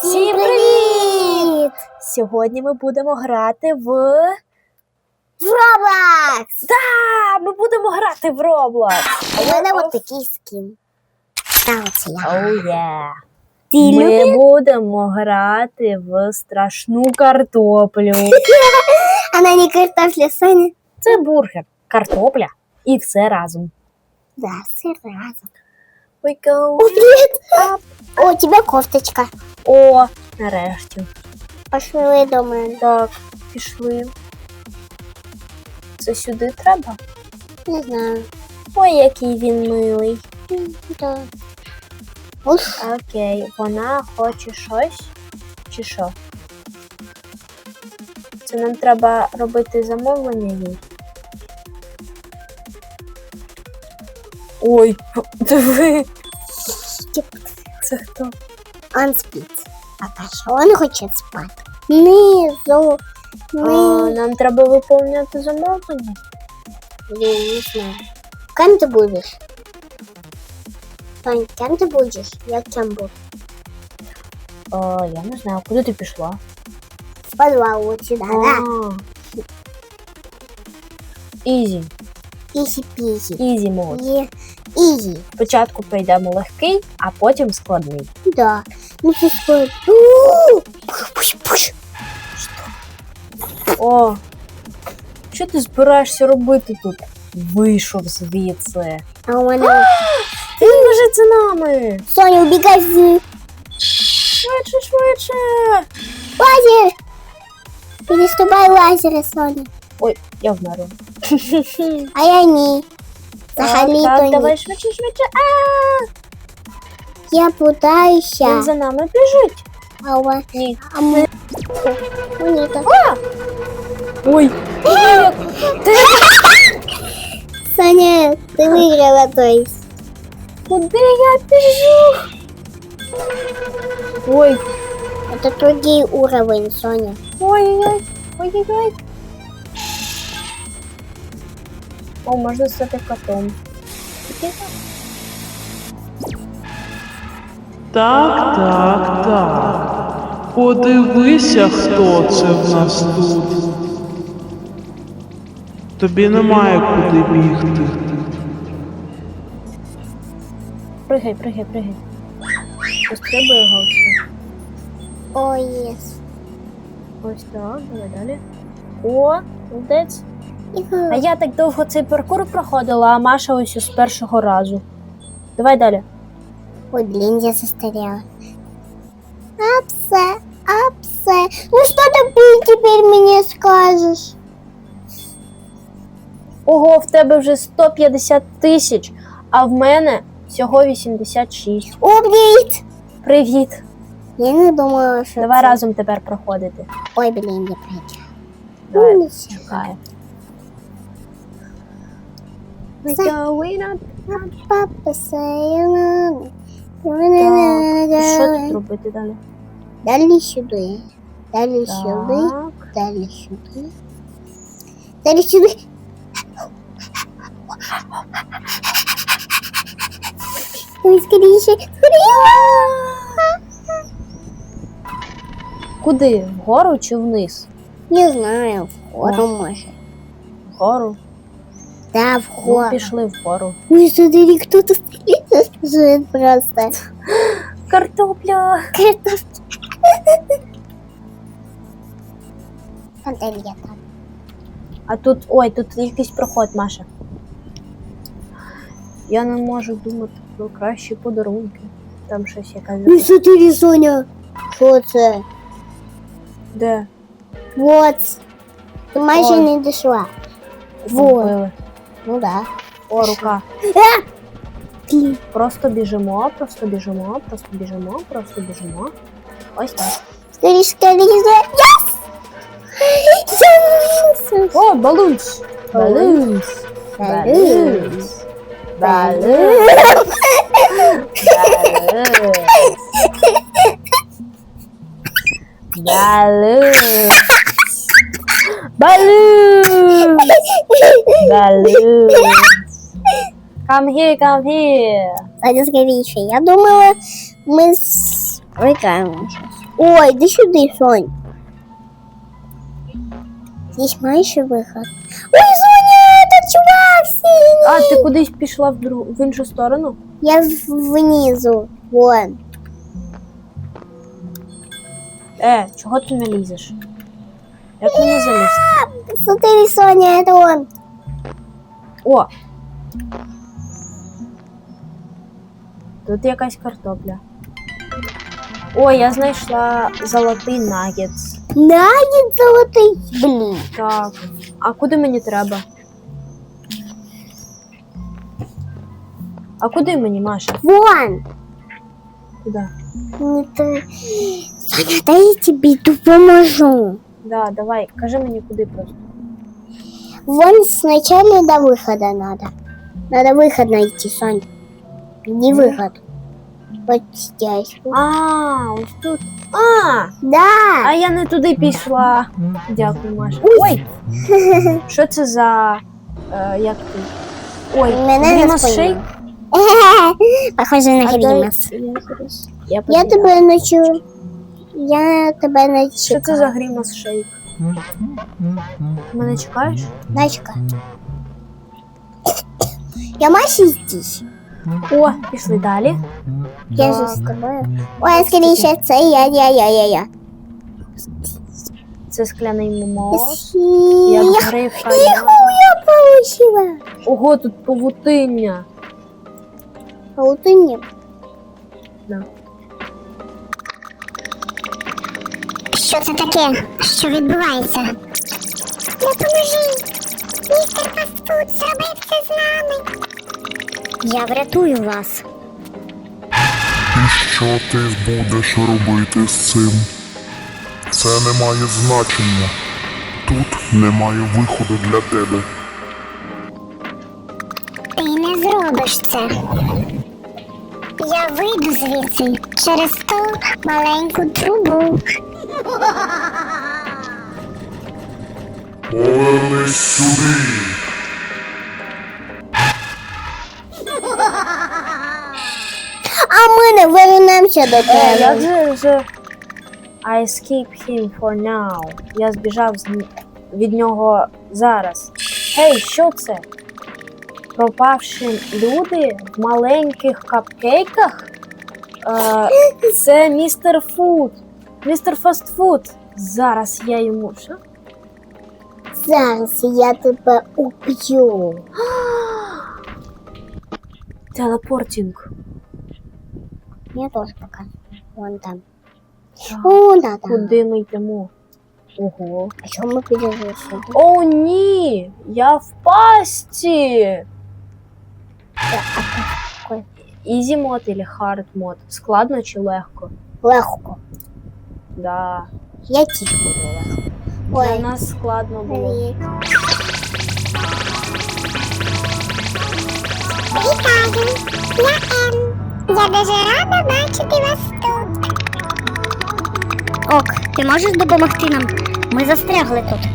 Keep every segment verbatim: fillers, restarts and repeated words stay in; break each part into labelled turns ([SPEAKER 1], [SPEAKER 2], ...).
[SPEAKER 1] Всім привіт! Сьогодні ми будемо грати в...
[SPEAKER 2] В Roblox!
[SPEAKER 1] Да, ми будемо грати в Roblox!
[SPEAKER 2] А у мене от такий скін. Та оце я.
[SPEAKER 1] Oh, yeah.
[SPEAKER 2] Ти
[SPEAKER 1] Ми
[SPEAKER 2] любиш?
[SPEAKER 1] будемо грати в страшну картоплю.
[SPEAKER 2] Вона не картофля, Соня.
[SPEAKER 1] Це бургер, картопля і все разом.
[SPEAKER 2] Да, все разом.
[SPEAKER 1] We go
[SPEAKER 2] О, привіт!
[SPEAKER 1] up.
[SPEAKER 2] О, у тебе кофточка.
[SPEAKER 1] О, нарешті.
[SPEAKER 2] Пошли до мене.
[SPEAKER 1] Так, пішли. Це сюди треба?
[SPEAKER 2] Не знаю.
[SPEAKER 1] Ой, який він милий.
[SPEAKER 2] Да. Уф.
[SPEAKER 1] Окей, вона хоче щось? Чи що? Це нам треба робити замовлення їй. Ой, диви. Це хто?
[SPEAKER 2] Он спить. А що він хоче спати? Низу.
[SPEAKER 1] А,
[SPEAKER 2] Низу.
[SPEAKER 1] нам треба виповнювати замовлення.
[SPEAKER 2] Я не знаю. Кем ти будеш? Сонь, кем ти будеш? Я кем буду?
[SPEAKER 1] О, я не знаю, куди ти пішла?
[SPEAKER 2] В подвал вот сюда, да?
[SPEAKER 1] Ізі.
[SPEAKER 2] Ізі-пізі.
[SPEAKER 1] Ізі мод.
[SPEAKER 2] Є. Ізі.
[SPEAKER 1] Спочатку пройдемо легкий, а потім складний.
[SPEAKER 2] Да. Ну что стоит? Пуш, пуш.
[SPEAKER 1] О, що ти збираєшся робити тут? Вийшов звідси.
[SPEAKER 2] А у меня...
[SPEAKER 1] Він біжить за нами.
[SPEAKER 2] Соня, убегай в...
[SPEAKER 1] Швидше, швидше.
[SPEAKER 2] Лазер! Переступай лазеры, Соня.
[SPEAKER 1] Ой, я вмерла.
[SPEAKER 2] А я не.
[SPEAKER 1] Так,
[SPEAKER 2] Взагалі-то
[SPEAKER 1] так,
[SPEAKER 2] ні.
[SPEAKER 1] давай швидше, швидше. А,
[SPEAKER 2] Я путаюся.
[SPEAKER 1] він за нами біжить.
[SPEAKER 2] А у вас...
[SPEAKER 1] Ні.
[SPEAKER 2] А ми... Моніка.
[SPEAKER 1] Ой, ти
[SPEAKER 2] Соня, ты выиграла, то есть.
[SPEAKER 1] куди я біжу? Ой,
[SPEAKER 2] Это другой уровень, Соня.
[SPEAKER 1] ой-ой-ой, ой-ой-ой. О, можна стати котом.
[SPEAKER 3] Так, так, так. Подивися, хто це в нас тут. Тобі немає куди бігти.
[SPEAKER 1] Пригай, пригай, пригай. Пострибуй його все.
[SPEAKER 2] О, єс.
[SPEAKER 1] Ось так, давай далі. О, молодець. А я так довго цей паркур проходила, а Маша ось з першого разу. Давай далі.
[SPEAKER 2] Ой, блин, я застарела. Апсе, апсе. Ну что ты теперь мне скажешь?
[SPEAKER 1] Ого, в тебе вже сто п'ятдесят тисяч, а в мене всього вісімдесят шість.
[SPEAKER 2] О, привет!
[SPEAKER 1] Привіт.
[SPEAKER 2] Я не думала, що
[SPEAKER 1] Давай
[SPEAKER 2] це...
[SPEAKER 1] разом тепер проходити.
[SPEAKER 2] Ой, блин, я проиграла.
[SPEAKER 1] Давай,
[SPEAKER 2] Ну,
[SPEAKER 1] чекай.
[SPEAKER 2] За- Папа, sayonara.
[SPEAKER 1] Так, і що тут робити далі?
[SPEAKER 2] Далі сюди. Далі сюди.
[SPEAKER 1] Так.
[SPEAKER 2] Далі сюди. Далі сюди. Ой, скоріше. Скоріше.
[SPEAKER 1] Куди? Вгору чи вниз?
[SPEAKER 2] Не знаю, вгору може.
[SPEAKER 1] Вгору.
[SPEAKER 2] Да,
[SPEAKER 1] Ну,
[SPEAKER 2] вгору.
[SPEAKER 1] пішли вгору.
[SPEAKER 2] Ой, смотри, кто-то живет просто.
[SPEAKER 1] Картопля.
[SPEAKER 2] Картошка. Панель я там.
[SPEAKER 1] А тут, ой, тут якийсь проход, Маша. Я не можу думати про кращі подарунки. Там щось якась.
[SPEAKER 2] Ну, смотри, Соня. Що це?
[SPEAKER 1] Де?
[SPEAKER 2] Вот. Ти майже
[SPEAKER 1] Ой.
[SPEAKER 2] не дійшла. Вот.
[SPEAKER 1] Зробили.
[SPEAKER 2] Ну да.
[SPEAKER 1] О, рука.
[SPEAKER 2] Блін.
[SPEAKER 1] Просто біжимо, просто біжимо, просто біжимо, просто біжимо. Ось так.
[SPEAKER 2] Скоріше, скоріше. Yes! Yes!
[SPEAKER 1] О, балунс! Балунс!
[SPEAKER 2] Балунс.
[SPEAKER 1] Балунс! Балунс! Балунс! Балунс! Балунс! Come here, come here!
[SPEAKER 2] Саня, скоріше. Я думала, ми з... Прикаємо зараз. Ой, іди сюди, Сонь. Здесь маєш виход. Ой, Соня, этот чувак синій.
[SPEAKER 1] А, ти кудись пішла в, дру... в іншу сторону?
[SPEAKER 2] Я в- внизу. Вон.
[SPEAKER 1] Е, чого ти не лізеш? Як мені залізти?
[SPEAKER 2] Смотри, Соня, это он.
[SPEAKER 1] О! Тут якась картопля. О, я знайшла золотий нагетс.
[SPEAKER 2] Нагет золотий. Блін.
[SPEAKER 1] Так. А куди мені треба? А куди мені, Маша?
[SPEAKER 2] Вон.
[SPEAKER 1] Куди?
[SPEAKER 2] Не ты. Соня, дай я тебе допоможу.
[SPEAKER 1] Да, давай, кажи мені куди просто.
[SPEAKER 2] Вон сначала до выхода надо. Надо выход найти, Сонь. Не выход. Вот здесь.
[SPEAKER 1] А, ось тут. А!
[SPEAKER 2] Да.
[SPEAKER 1] А я не туди пішла. Дякую, Маша. Ой! Що це за. Е, як ти? Ой,
[SPEAKER 2] Мене не
[SPEAKER 1] Грімас
[SPEAKER 2] спойлер.
[SPEAKER 1] шейк?
[SPEAKER 2] Похоже на
[SPEAKER 1] А
[SPEAKER 2] Грімас.
[SPEAKER 1] дай- Я, зараз- я
[SPEAKER 2] Я
[SPEAKER 1] подивлюсь.
[SPEAKER 2] тебе начу. Я тебе начу.
[SPEAKER 1] Що це за Грімас шейк? Ти мене чекаєш?
[SPEAKER 2] Дачка. Я Маші здесь.
[SPEAKER 1] О, пішли далі.
[SPEAKER 2] Я же
[SPEAKER 1] Так.
[SPEAKER 2] з тобою. Ой, скоріше, це я, я, я, я, я.
[SPEAKER 1] Це скляний мост.
[SPEAKER 2] Сі-
[SPEAKER 1] Як
[SPEAKER 2] Я
[SPEAKER 1] грифа.
[SPEAKER 2] я получила.
[SPEAKER 1] Ого, тут павутиння.
[SPEAKER 2] Паутині.
[SPEAKER 1] Да.
[SPEAKER 2] Що це таке? Що відбувається? Допоможи! Містер Фастфуд зробив це з нами. Я врятую вас.
[SPEAKER 4] І що ти будеш робити з цим? Це не має значення. Тут немає виходу для тебе.
[SPEAKER 2] Ти не зробиш це. Я вийду звідси через ту маленьку трубу.
[SPEAKER 4] Повернись сюди.
[SPEAKER 2] А ми не вернемося до
[SPEAKER 1] Е, як
[SPEAKER 2] тебе.
[SPEAKER 1] же ж I escape him for now. Я збіжав з... н- від нього зараз. Гей, що це? Пропавші люди в маленьких капкейках? Е, це містер Фуд. Містер Фастфуд. Зараз я йому. Що?
[SPEAKER 2] Зараз я тебе уб'ю.
[SPEAKER 1] Телепортінг.
[SPEAKER 2] Я теж покажу. Вон там.
[SPEAKER 1] Так,
[SPEAKER 2] О, да, там.
[SPEAKER 1] куди ми йдемо? Ого.
[SPEAKER 2] А чому ми підемо сюди?
[SPEAKER 1] О, ні! Я в пасті! Ізі мод или хард мод? Складно чи легко?
[SPEAKER 2] Легко.
[SPEAKER 1] Да.
[SPEAKER 2] Я тільки буду легко.
[SPEAKER 1] Для
[SPEAKER 2] Ой.
[SPEAKER 1] нас складно було.
[SPEAKER 2] Привіт. Вітаю, я Ем. Я дуже рада бачити вас тут. Ок, ти можеш допомогти нам? Ми застрягли тут.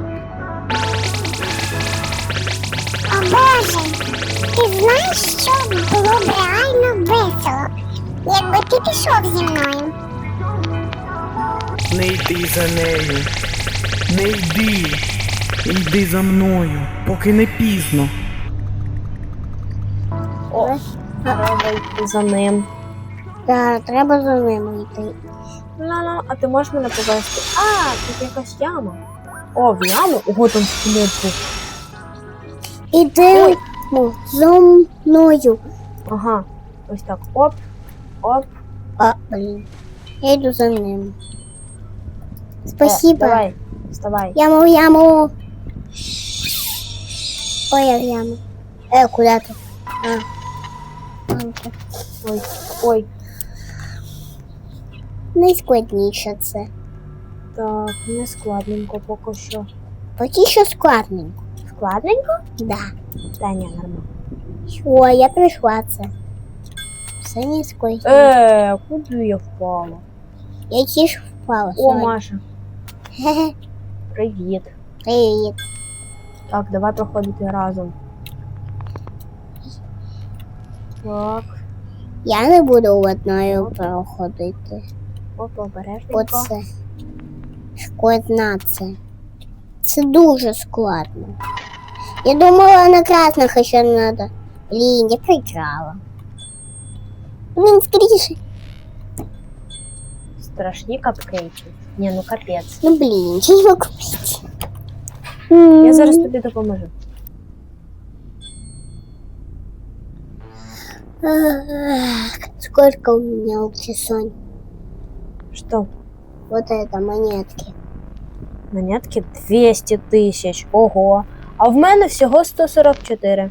[SPEAKER 2] О Боже, ти знаєш, що було б реально весело, якби ти пішов зі мною?
[SPEAKER 3] Не йди за нею. Не йди. Йди за мною, поки не пізно.
[SPEAKER 1] О, треба йти за ним.
[SPEAKER 2] Так, треба за ними йти.
[SPEAKER 1] Ну-ну, а ти можеш мене повести? А, тут якась яма. О, в яму? Ого, там скелет був.
[SPEAKER 2] Іди ну, за мною.
[SPEAKER 1] Ага. Ось так. Оп, оп.
[SPEAKER 2] А, блін. Я йду за ним.
[SPEAKER 1] Е,
[SPEAKER 2] Спасибо.
[SPEAKER 1] давай, вставай.
[SPEAKER 2] Яму, в яму. Ой, я в яму. Э, куда ты? А. Вон тут.
[SPEAKER 1] Ой, ой.
[SPEAKER 2] Найскладніше це.
[SPEAKER 1] Так, не складненько поки що.
[SPEAKER 2] Поки що складненько.
[SPEAKER 1] Складненько?
[SPEAKER 2] Да.
[SPEAKER 1] Та ні, нормально.
[SPEAKER 2] О, я прийшла це. Все не складніше.
[SPEAKER 1] Е, куди я впала?
[SPEAKER 2] Я тіж впала.
[SPEAKER 1] О,
[SPEAKER 2] Соня.
[SPEAKER 1] Маша,
[SPEAKER 2] Хе-хе.
[SPEAKER 1] привіт.
[SPEAKER 2] Привіт.
[SPEAKER 1] Так, давай проходити разом. Так.
[SPEAKER 2] Я не буду одною проходити.
[SPEAKER 1] Оп, обережненько.
[SPEAKER 2] Оце. Складна це. Це дуже складно. Я думала на красных ще надо. Блін, я проиграла. Блін, скоріше.
[SPEAKER 1] Страшні капкейки. Ні, ну капець.
[SPEAKER 2] Ну блін, я його купить.
[SPEAKER 1] Я зараз тобі допоможу.
[SPEAKER 2] Сколько у меня аукцион?
[SPEAKER 1] Що?
[SPEAKER 2] Вот это монетки.
[SPEAKER 1] Монетки двісті тисяч. Ого. А в мене всього сто сорок чотири.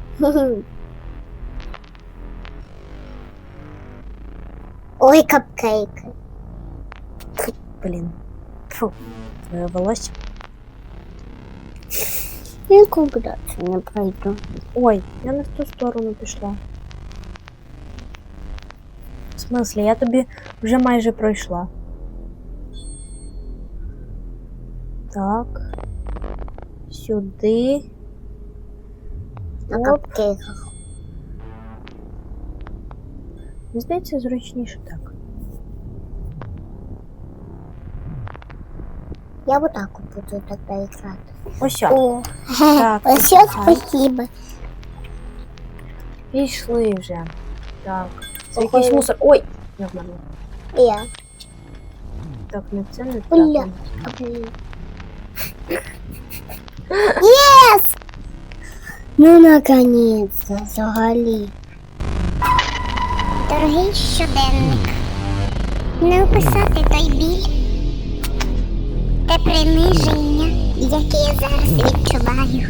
[SPEAKER 2] Ой, капкейки.
[SPEAKER 1] Блін. Фу. Твоє волосся.
[SPEAKER 2] Нікуди це не пройду.
[SPEAKER 1] Ой, я не в ту сторону пішла. В смислі, я тобі вже майже пройшла. Так. Сюди.
[SPEAKER 2] На
[SPEAKER 1] Оп.
[SPEAKER 2] капкейках.
[SPEAKER 1] Мені здається, зручніше так.
[SPEAKER 2] Я вот так вот буду тогда играть.
[SPEAKER 1] Ось.
[SPEAKER 2] О,
[SPEAKER 1] Так,
[SPEAKER 2] все,
[SPEAKER 1] почекай.
[SPEAKER 2] спасибо.
[SPEAKER 1] Пішли вже. Так. Це
[SPEAKER 2] Походу.
[SPEAKER 1] якийсь мусор. Ой! Я вмерла.
[SPEAKER 2] Я.
[SPEAKER 1] Так, не це не
[SPEAKER 2] Бля.
[SPEAKER 1] так.
[SPEAKER 2] А, блин. Yes! Ну, наконец-то, взагалі. Дорогий щоденник, не описати той біль, те приниження, яке я зараз відчуваю.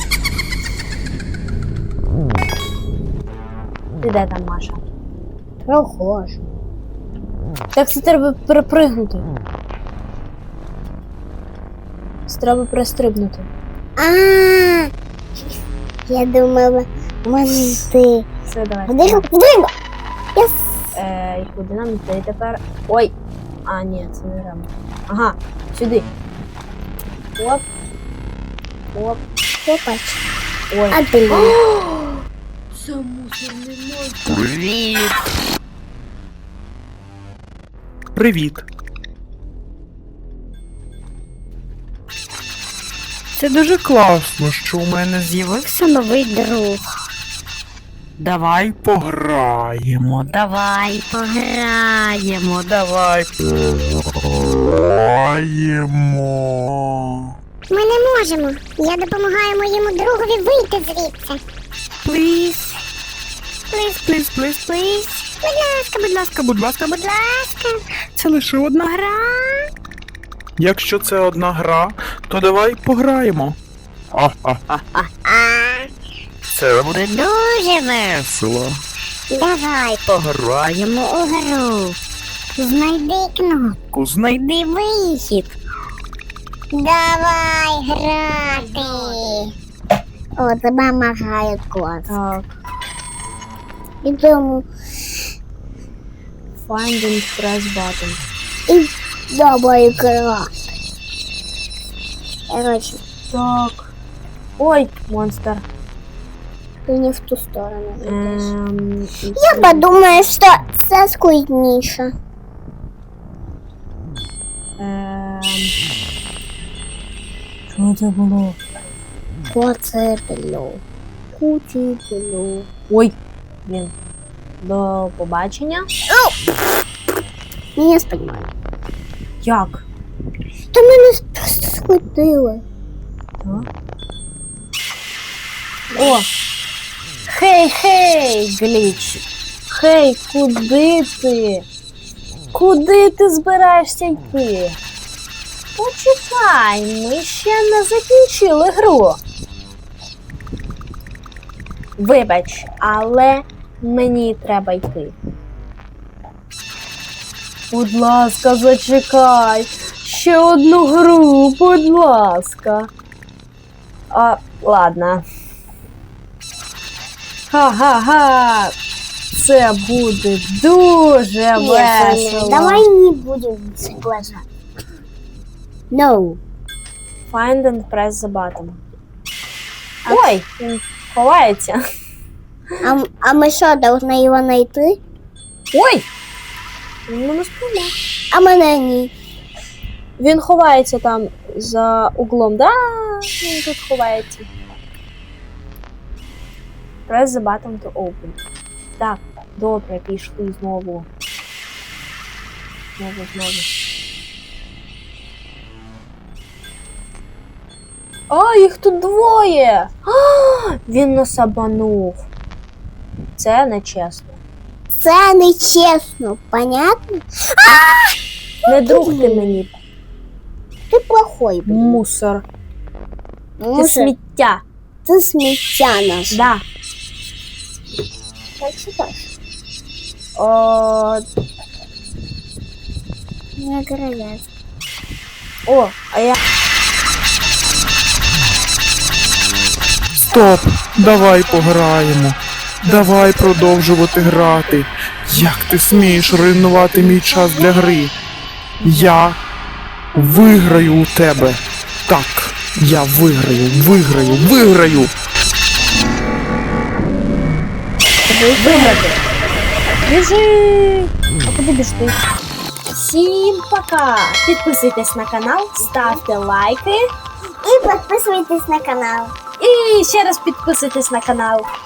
[SPEAKER 1] Ти де там, Маша?
[SPEAKER 2] Прохожу.
[SPEAKER 1] Так це треба перепригнути. Це треба перестрибнути.
[SPEAKER 2] А, я думала, може ти.
[SPEAKER 1] Все, давай.
[SPEAKER 2] Вдруг, вдруг. Yes.
[SPEAKER 1] Е, і куди нам йти тепер? Ой! А, ні, це не треба. Ага, сюди. Оп. Оп.
[SPEAKER 2] Опач.
[SPEAKER 1] Ой.
[SPEAKER 2] А блін.
[SPEAKER 1] Це мусорний монстр.
[SPEAKER 5] Привіт!
[SPEAKER 3] Привіт.
[SPEAKER 5] Це дуже класно, що у мене з'явився новий друг. Давай пограємо, давай пограємо, давай пограємо.
[SPEAKER 2] Ми не можемо. Я допомагаю моєму другові вийти звідси.
[SPEAKER 5] Пліз. Пліз, пліз, пліз, пліз. Будь ласка, будь ласка, будь ласка, будь ласка. Це лише одна гра.
[SPEAKER 3] Якщо це одна гра, то давай пограємо.
[SPEAKER 5] А, це буде дуже весело.
[SPEAKER 2] Давай.
[SPEAKER 5] Пограємо у гру.
[SPEAKER 2] Знайди кнопку.
[SPEAKER 5] Знайди вихід.
[SPEAKER 2] Давай грати. О, це мама грає клас.
[SPEAKER 1] Так.
[SPEAKER 2] Ідемо.
[SPEAKER 1] Find and press button.
[SPEAKER 2] І давай грати. Короче,
[SPEAKER 1] Так. Ой, монстр.
[SPEAKER 2] ти не в ту сторону йдеш.
[SPEAKER 1] Ем,
[SPEAKER 2] Я подумаю, що це складніше.
[SPEAKER 1] ем... Що це було?
[SPEAKER 2] Поцепило. Кутіпило.
[SPEAKER 1] Ой, блін. До побачення.
[SPEAKER 2] Не сподіваю.
[SPEAKER 1] Як?
[SPEAKER 2] Та мене просто схватили.
[SPEAKER 1] Так. О! Хей, хей, гліч! Хей, куди ти? Куди ти збираєшся йти? Почекай, ми ще не закінчили гру. Вибач, але мені треба йти. Будь ласка, зачекай. Ще одну гру, будь ласка. А, ладно. Ха-ха-ха. Це буде дуже весело.
[SPEAKER 2] Давай не будем соглашаться. No.
[SPEAKER 1] Find and press the button. Ой, він ховається.
[SPEAKER 2] А, а мы что, должны его найти?
[SPEAKER 1] Ой! Він мене спіймав.
[SPEAKER 2] А мене ні.
[SPEAKER 1] Він ховається там за углом. Да, він тут ховається. Press the button to open. Так, добре, пішли знову. Знову, знову. А, їх тут двоє! А, він нас обманув. Це нечесно.
[SPEAKER 2] Це нечесно, понятно?
[SPEAKER 1] Не друг ти мені,
[SPEAKER 2] Ти плохой, блін.
[SPEAKER 1] мусор. Ти
[SPEAKER 2] Мусор,
[SPEAKER 1] сміття.
[SPEAKER 2] це сміття наше.
[SPEAKER 1] Да.
[SPEAKER 2] Так читаєш?
[SPEAKER 1] О,
[SPEAKER 2] Не грязь.
[SPEAKER 1] о, а я...
[SPEAKER 3] Стоп! Давай пограємо. Давай продовжувати грати. Як ти смієш руйнувати мій час для гри? Я виграю у тебе. Так, я виграю, виграю, виграю.
[SPEAKER 1] Виграти. Біжи! А куди біжти? Всім пока! Підписуйтесь на канал, ставте лайки
[SPEAKER 2] І підписуйтесь на канал.
[SPEAKER 1] і ще раз підписуйтесь на канал.